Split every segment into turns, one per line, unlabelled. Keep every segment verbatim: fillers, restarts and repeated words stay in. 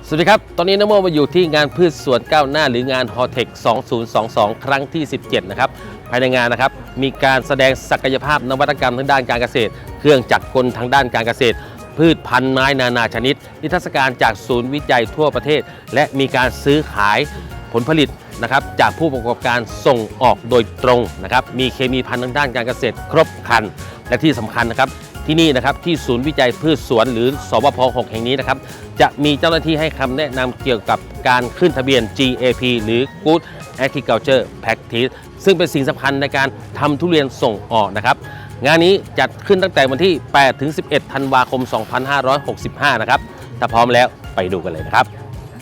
สวัสดีครับตอนนี้นโมมาอยู่ที่งานพืชสวนก้าวหน้าหรืองาน ฮอเทค สองพันยี่สิบสอง ครั้งที่ สิบเจ็ด นะครับภายในงานนะครับมีการแสดงศักยภาพนวัตกรรมทางด้านการเกษตรเครื่องจักรกลทางด้านการเกษตรพืชพันธุ์ไม้นานาชนิดนิทรรศการจากศูนย์วิจัยทั่วประเทศและมีการซื้อขายผลผลิตนะครับจากผู้ประกอบการส่งออกโดยตรงนะครับมีเคมีภัณฑ์ทางด้านการเกษตรครบครันและที่สำคัญนะครับที่นี่นะครับที่ศูนย์วิจัยพืชสวนหรือสวพหกแห่งนี้นะครับจะมีเจ้าหน้าที่ให้คำแนะนำเกี่ยวกับการขึ้นทะเบียน จี เอ พี หรือ Good Agriculture Practice ซึ่งเป็นสิ่งสำคัญในการทำทุเรียนส่งออกนะครับงานนี้จัดขึ้นตั้งแต่วันที่ แปดถึงสิบเอ็ด ธันวาคม สองพันห้าร้อยหกสิบห้า นะครับถ้าพร้อมแล้วไปดูกันเลยนะครับ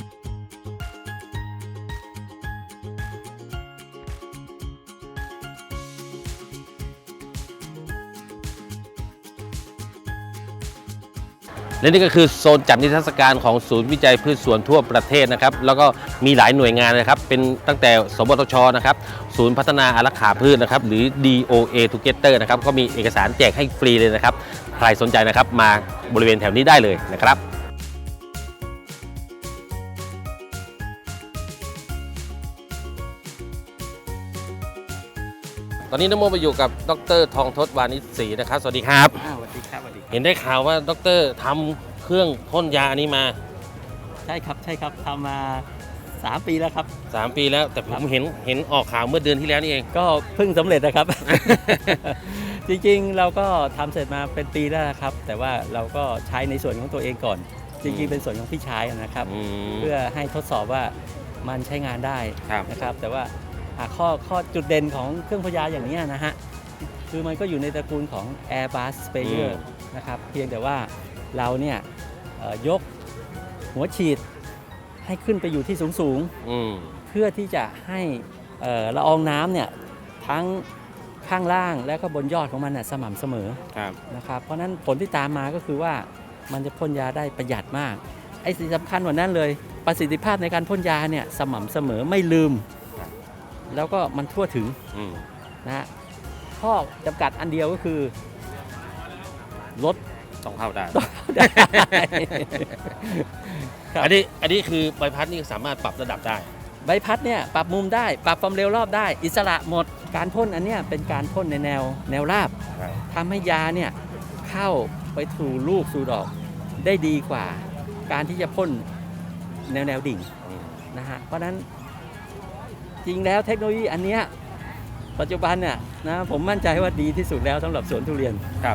และนี่ก็คือโซนจัดนิทรรศการของศูนย์วิจัยพืชสวนทั่วประเทศนะครับแล้วก็มีหลายหน่วยงานนะครับเป็นตั้งแต่สวทช.นะครับศูนย์พัฒนาอารักขาพืชนะครับหรือ ดี โอ เอ Together นะครับก็มีเอกสารแจกให้ฟรีเลยนะครับใครสนใจนะครับมาบริเวณแถวนี้ได้เลยนะครับตอนนี้นโมไปอยู่กับดร.ทองทศวานิชศรีนะครับสวัสดีครับ
สวัสดีครับสวัสดีครับ
เห็นได้ข่าวว่าดร.ทำเครื่องพ่นยาอันนี้มา
ใช่ครับใช่ครับทำมาสามปีแล้วครับ
สามปีแล้วแต่ผมเห็นเห็นออกข่าวเมื่อเดือนที่แล้วนี่เอง
ก็เพิ่งสำเร็จนะครับ จริงๆเราก็ทำเสร็จมาเป็นปีแล้วครับแต่ว่าเราก็ใช้ในส่วนของตัวเองก่อนจริงๆเป็นส่วนของพี่ชายนะครับเพื่อให้ทดสอบว่ามันใช้งานได้นะครับแต่ว่าข้อข้อจุดเด่นของเครื่องพ่นยาอย่างนี้นะฮะคือมันก็อยู่ในตระกูลของ Airbus Sprayer นะครับเพียงแต่ว่าเราเนี่ยยกหัวฉีดให้ขึ้นไปอยู่ที่สูงๆเพื่อที่จะให้ละอองน้ำเนี่ยทั้งข้างล่างและก็บนยอดของมันสม่ำเสมอนะครับเพราะนั้นผลที่ตามมาก็คือว่ามันจะพ่นยาได้ประหยัดมากไอ้สิ่งสำคัญกว่านั้นเลยประสิทธิภาพในการพ่นยาเนี่ยสม่ำเสมอไม่ลืมแล้วก็มันทั่วถึงนะฮะข้อจำกัดอันเดียวก็คือลด
ต้องเข้าได้อันนี้อันนี้คือใบพัดนี่สามารถปรับระดับได้
ใบพัดเนี่ยปรับมุมได้ปรับความเร็วรอบได้อิสระหมดการพ่นอันเนี้ยเป็นการพ่นในแนวแนวราบทำให้ยาเนี่ยเข้าไปสู่ลูกสู่ดอกได้ดีกว่าการที่จะพ่นแนวแนวดิ่งนะฮะเพราะนั้นจริงแล้วเทคโนโลยีอันเนี้ยปัจจุบันเนี่ยนะผมมั่นใจว่าดีที่สุดแล้วสำหรับสวนทุเรียน
ครับ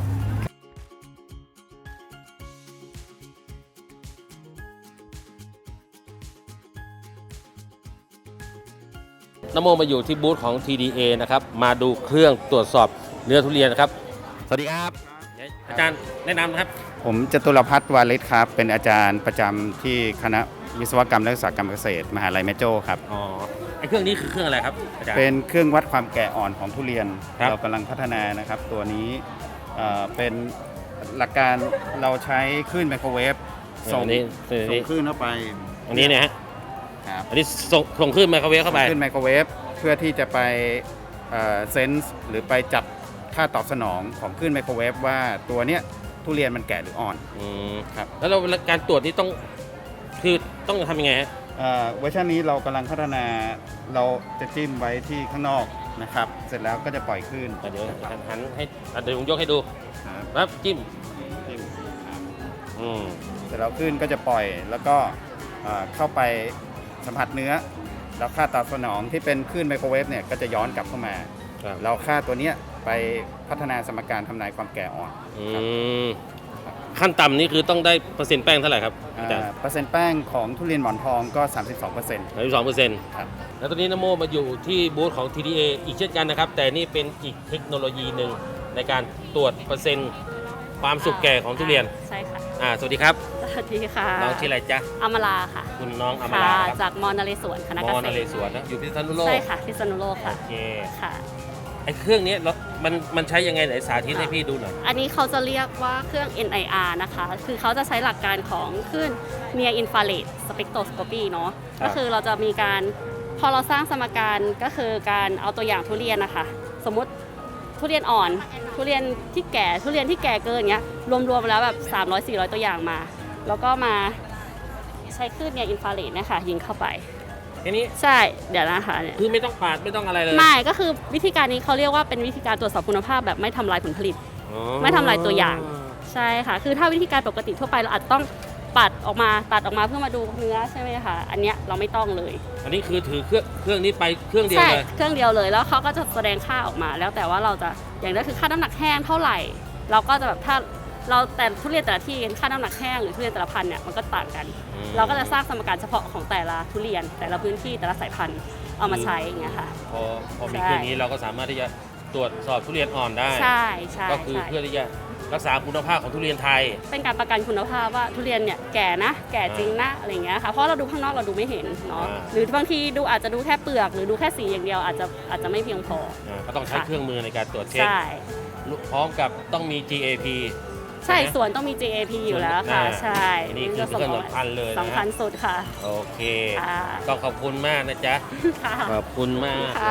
นโมมาอยู่ที่บูธของ ที ดี เอ นะครับมาดูเครื่องตรวจสอบเนื้อทุเรียนนะครับสวัสดีครับอาจารย์แนะนำนะครับ
ผมจตุรพัฒน์วาลิศครับเป็นอาจารย์ประจำที่คณะวิศวกรรมและอุตสาหกรรมเกษตรมหาลัยแม่โจ้ครับ
อ๋อไอเครื่องนี้คือเครื่องอะไรครับอาจารย์
เป็นเครื่องวัดความแก่อ่อนของทุเรียนเรากำลังพัฒนานะครับตัวนี้เป็นหลักการเราใช้คลื่นไมโครเวฟส่งส่งคลื่นเข้าไป
อันนี้เนี่ยฮะอันนี้ส่งส่งคลื่นไมโครเวฟเข้าไป
คลื่นไมโครเวฟเพื่อที่จะไปเซนส์หรือไปจับค่าตอบสนองของคลื่นไมโครเวฟว่าตัวเนี้ยทุเรียนมันแก่หรืออ่อน
ครับแล้วเราการตรวจนี้ต้องคือต้องทำยังไงฮะ
เวอร์ชันนี้เรากำลังพัฒนาเราจะจิ้มไว้ที่ข้างนอกนะครับเสร็จแล้วก็จะปล่อยคลื่น
เดี๋ยวหันให้เดี๋ยวผมยกให้ดูครับจิ้มจิ้ม
เสร็จแล้วคลื่นก็จะปล่อยแล้วก็เข้าไปสัมผัสเนื้อแล้วค่าตอบสนองที่เป็นคลื่นไมโครเวฟเนี่ยก็จะย้อนกลับเข้ามาเราค่าตัวเนี้ยไปพัฒนาสมการทำนายความแก่อ่อน
ขั้นต่ำนี่คือต้องได้เปอร์เซ็นต์แป้งเท่าไหร่ครับ
เปอร์เซ็นต์แป้งของทุเรียนหมอนทองก็ สามสิบสองเปอร์เซ็นต์
สามสิบสองเปอร์เซ็นต์ครับแล้วตอนนี้นโมมาอยู่ที่บูธของ ที ดี เอ อีกเช่นกันนะครับแต่นี่เป็นอีกเทคโนโลยีหนึ่งในการตรวจเปอร์เซ็นต์ความสุกแก่ของทุเรียน
ใช่ค่ะ
อ่าสวัสดีครับ
สวัสดีค่ะ
น้องชื่ออะไรจ๊ะ
อมราค่ะ
คุณน้องอมรา
จากมอนเรศวรคณะเกษตร
มอนเรศวรนะอยู่พิษณุโลก
ใช่ค่ะพิษณุโลกค่ะ
โอเค
ค่ะ
ไอ้เครื่องนี้มันมันใช้ยังไงไหนสาธิตให้พี่ดูหน่อย
อันนี้เขาจะเรียกว่าเครื่อง เอ็น ไอ อาร์ นะคะคือเขาจะใช้หลักการของคลื่น Near Infrared Spectroscopy เนาะก็คือเราจะมีการพอเราสร้างสมการก็คือการเอาตัวอย่างทุเรียนนะคะสมมติทุเรียนอ่อนทุเรียนที่แก่ทุเรียนที่แก่เกินอย่างเงี้ยรวมๆแล้วแบบสามร้อย สี่ร้อยตัวอย่างมาแล้วก็มาใช้คลื่นเนี่ยอินฟราเรดนะคะยิงเข้าไป
แค่นี้
ใช่เดี๋ยวนะคะเนี่ย
คือไม่ต้องปาดไม่ต้องอะไรเลย
ไม่ก็คือวิธีการนี้เขาเรียกว่าเป็นวิธีการตรวจสอบคุณภาพแบบไม่ทำลายผลผลิต
อ๋อ
ไม่ทำลายตัวอย่างใช่ค่ะคือถ้าวิธีการปกติทั่วไปเราอาจต้องปัดออกมาตัดออกมาเพื่อมาดูเนื้อใช่ไหมคะอันเนี้ยเราไม่ต้องเลย
อันนี้คือถือเครื่องเครื่องนี้ไปเครื่องเดียว
ใช่
เลย
เครื่องเดียวเลยแล้วเขาก็จะแสดงค่าออกมา แล้วแต่ว่าเราจะอย่างแรกคือค่าน้ำหนักแห้งเท่าไหร่ เราก็จะแบบถ้าเราแต่ทุเรียนแต่ละที่ค่าน้ำหนักแห้งหรือทุเรียนแต่ละพันธุ์เนี่ยมันก็ต่างกัน เราก็จะสร้างสมการเฉพาะของแต่ละทุเรียน แต่ละพื้นที่แต่ละสายพันธุ์เอามาใช้อย่างเงี้ยค่ะ
พอพอมี
ใช่
เครื่องนี้เราก็สามารถที่จะตรวจสอบทุเรียนอ่อนได้
ใช่ใช่
ก็คือ
ใช่
เพื่อที่จะรักษาคุณภาพของทุเรียนไทย
เป็นการประกันคุณภาพว่าทุเรียนเนี่ยแก่นะ แก่จริงนะอะไรอย่างเงี้ยค่ะเพราะเราดูข้างนอกเราดูไม่เห็นเนาะ
อ่า
หรือบางทีดูอาจจะดูแค่เปลือกหรือดูแค่สีอย่างเดียวอาจจะอาจจะไม่เพียงพอ
อ่าก็ต้องใช้
ค่ะ
เครื่องมือในการตรวจเช็ค
ใช่
พร้อมกับต้องมี จี เอ พี
ใช่ส่วนต้องมี จี เอ พี อยู่แล้วค่ะ
อ่า
ใช่
นี่คือเครื่องสำคัญเลยนะ
สำคัญสุดค่ะ
โอเค
ค่ะ
ต้องขอบคุณมากนะจ๊ะ
ค่ะ
ขอบคุณมาก
ค่ะ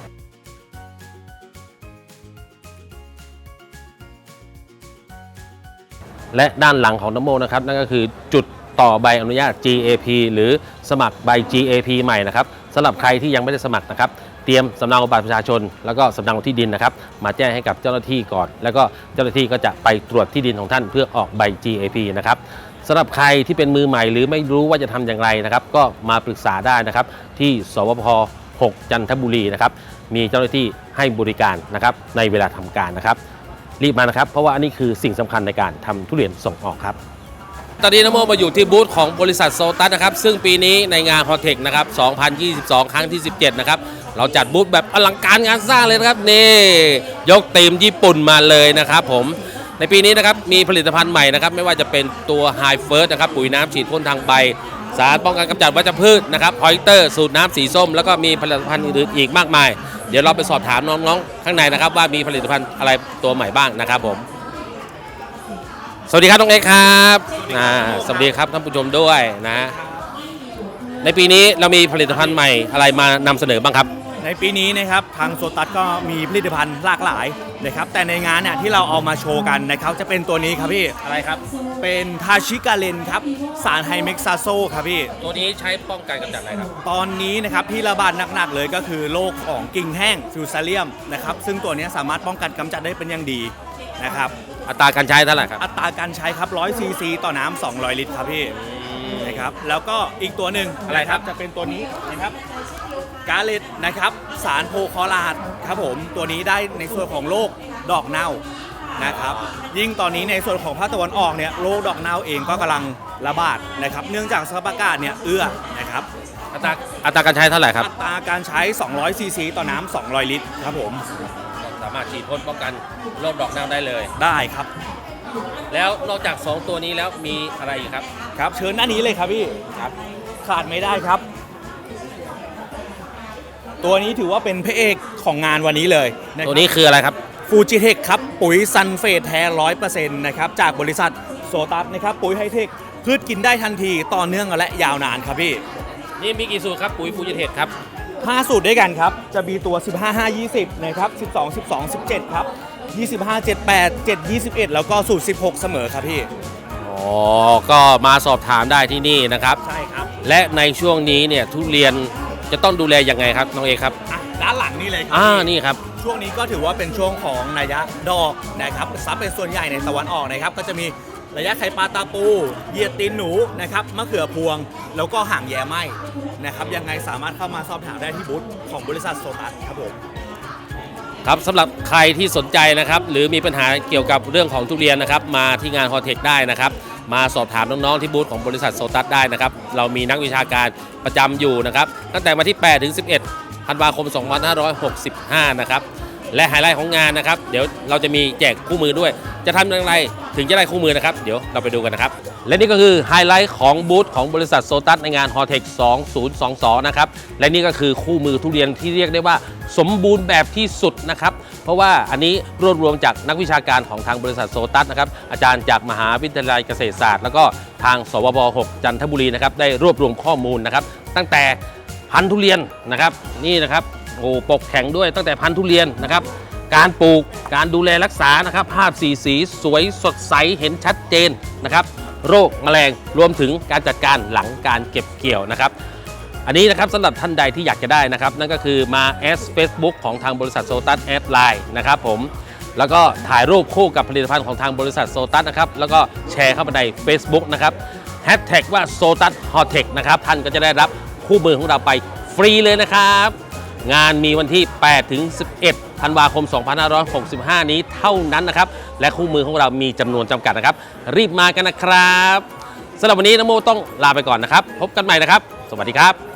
และด้านหลังของนโมนะครับนั่นก็คือจุดต่อใบอนุญาต จี เอ พี หรือสมัครใบ จี เอ พี ใหม่นะครับสำหรับใครที่ยังไม่ได้สมัครนะครับเตรียมสำเนาบัตรประชาชน แล้วก็สำเนาที่ดินนะครับมาแจ้งให้กับเจ้าหน้าที่ก่อน แล้วก็เจ้าหน้าที่ก็จะไปตรวจที่ดินของท่านเพื่อออกใบ จี เอ พี นะครับสำหรับใครที่เป็นมือใหม่หรือไม่รู้ว่าจะทำอย่างไรนะครับก็มาปรึกษาได้นะครับที่สวพหกจันทบุรีนะครับมีเจ้าหน้าที่ให้บริการนะครับในเวลาทำการนะครับรีบมานะครับเพราะว่าอันนี้คือสิ่งสำคัญในการทำทุเรียนส่งออกครับตอนนี้นโมมาอยู่ที่บูธของบริษัทโซตัสนะครับซึ่งปีนี้ในงานฮอเทคนะครับสองพันยี่สิบสอง ครั้งที่สิบเจ็ดนะครับเราจัดบูธแบบอลังการงานสร้างเลยนะครับนี่ยกธีมญี่ปุ่นมาเลยนะครับผมในปีนี้นะครับมีผลิตภัณฑ์ใหม่นะครับไม่ว่าจะเป็นตัว High First นะครับปุ๋ยน้ำฉีดพ่นทางใบสารป้องกันกำจัดวัชพืชนะครับพอยเตอร์สูตรน้ำสีส้มแล้วก็มีผลิตภัณฑ์อื่นๆอีกมากมายเดี๋ยวเราไปสอบถามน้องๆข้างในนะครับว่ามีผลิตภัณฑ์อะไรตัวใหม่บ้างนะครับผมสวัสดีครับน้องเอกครับอ่าสวัสดีครับท่านผู้ชมด้วยนะในปีนี้เรามีผลิตภัณฑ์ใหม่อะไรมานำเสนอบ้างครับ
ในปีนี้นะครับทางโซตัสก็มีผลิตภัณฑ์หลากหลายนะครับแต่ในงานเนี่ยที่เราเอามาโชว์กันนะครับจะเป็นตัวนี้ครับพี่
อะไรครับ
เป็นทาชิกาเลนครับสารไฮเม็กซาโซครับพี่
ตัวนี้ใช้ป้องกันกำจัดอะไรครับ
ตอนนี้นะครับที่ระบาดหนักๆเลยก็คือโรคของกิ่งแห้งฟิวซาเลียมนะครับซึ่งตัวนี้สามารถป้องกันกำจัดได้เป็นอย่างดีนะครับ
อัตราการใช้เท่าไหร่ครับ
อัตราการใช้ครับร้อยซีซีต่อน้ำสองร้อยลิตรครับพี่นะครับแล้วก็อีกตัวหนึ่ง
อะไรครับ
จะเป็นตัวนี้นะครับกาเลตนะครับสารโพคอลาดครับผมตัวนี้ได้ในส่วนของโรคดอกเน่านะครับยิ่งตอนนี้ในส่วนของภาคตะวันออกเนี่ยโรคดอกเน่าเองก็กำลังระบาดนะครับเนื่องจากสภาพอากาศเนี่ยเอื้อนะครับ
อัตราอัตราการใช้เท่าไหร่ครับ
อัตราการใช้สองร้อยซีซีต่อน้ำสองร้อยลิตรครับผม
สามารถฉีดพ่นป้องกันโรคดอกเน่าได้เลย
ได้ครับ
แล้วนอกจากสองตัวนี้แล้วมีอะไรอีกครับ
ครับเชิญหน้านี้เลยครับพี่ครับขาดไม่ได้ครับ ตัวนี้ถือว่าเป็นพระเอกของงานวันนี้เลยะครับ
ตัวนี้คืออะไรครับ
ฟูจิเทคครับปุ๋ยซันเฟตแท้ร้อยเปอร์เซ็นต์นะครับจากบริษัทโซตัสนะครับปุ๋ยไฮเทคพืชกินได้ทันทีต่อเนื่องและยาวนานครับพี่
นี่มีกี่สูตรครับปุ๋ยฟูจิเทคครับ
ห้าสูตรด้วยกันครับจะมีตัว สิบห้า ห้า ยี่สิบ นะครับ สิบสอง สิบสอง สิบเจ็ด ครับ ยี่สิบห้า เจ็ด แปด เจ็ด ยี่สิบเอ็ด แล้วก็สูตร สิบหก เสมอครับพี่
อ๋อ ก็มาสอบถามได้ที่นี่นะครับ
ใช่ครับ
และในช่วงนี้เนี่ยทุเรียนจะต้องดูแลยังไงครับน้องเอกครับ
อ่ะด้านหลังนี่เลยครั
อ่า
พี่
นี่ครับ
ช่วงนี้ก็ถือว่าเป็นช่วงของระยะดอกนะครับซับเป็นส่วนใหญ่ในตะวันออกนะครับก็จะมีระยะไข่ปลาตาปูเหยียดตีนหนูนะครับมะเขือพวงแล้วก็ห่างแย่ไหมนะครับยังไงสามารถเข้ามาสอบถามได้ที่บูธของบริษัทโซตัสครับผม
ครับสำหรับใครที่สนใจนะครับหรือมีปัญหาเกี่ยวกับเรื่องของทุเรียนนะครับมาที่งานฮอเทคได้นะครับมาสอบถามน้องๆที่บูธของบริษัทโซตัสได้นะครับเรามีนักวิชาการประจำอยู่นะครับตั้งแต่วันที่แปดถึงสิบเอ็ดธันวาคมสองพันห้าร้อยหกสิบห้านะครับและไฮไลท์ของงานนะครับเดี๋ยวเราจะมีแจกคู่มือด้วยจะทำอย่างไรถึงจะได้คู่มือนะครับเดี๋ยวเราไปดูกันนะครับและนี่ก็คือไฮไลท์ของบูธของบริษัทโซตัสในงานฮอเทคสองพันยี่สิบสองนะครับและนี่ก็คือคู่มือทุเรียนที่เรียกได้ว่าสมบูรณ์แบบที่สุดนะครับเพราะว่าอันนี้รวบรวมจากนักวิชาการของทางบริษัทโซตัสนะครับอาจารย์จากมหาวิทยาลัยเกษตรศาสตร์แล้วก็ทางสวพหกจันทบุรีนะครับได้รวบรวมข้อมูลนะครับตั้งแต่พันธุ์ทุเรียนนะครับนี่นะครับโอ้ปกแข็งด้วยตั้งแต่พันธุ์ทุเรียนนะครับการปลูกการดูแลรักษานะครับภาพสีสีสวยสดใสเห็นชัดเจนนะครับโรคแมลงรวมถึงการจัดการหลังการเก็บเกี่ยวนะครับอันนี้นะครับสำหรับท่านใดที่อยากจะได้นะครับนั่นก็คือมาแอด Facebook ของทางบริษัทโซตัสแอดไลน์นะครับผมแล้วก็ถ่ายรูปคู่กับผลิตภัณฑ์ของทางบริษัทโซตัสนะครับแล้วก็แชร์เข้ามาใน Facebook นะครับแฮชแท็กว่าโซตัสฮอเทคนะครับท่านก็จะได้รับคู่มือของเราไปฟรีเลยนะครับงานมีวันที่ แปดถึงสิบเอ็ด ธันวาคม สองพันห้าร้อยหกสิบห้า นี้เท่านั้นนะครับและคู่มือของเรามีจำนวนจำกัดนะครับรีบมากันนะครับสำหรับวันนี้น้องโมต้องลาไปก่อนนะครับพบกันใหม่นะครับสวัสดีครับ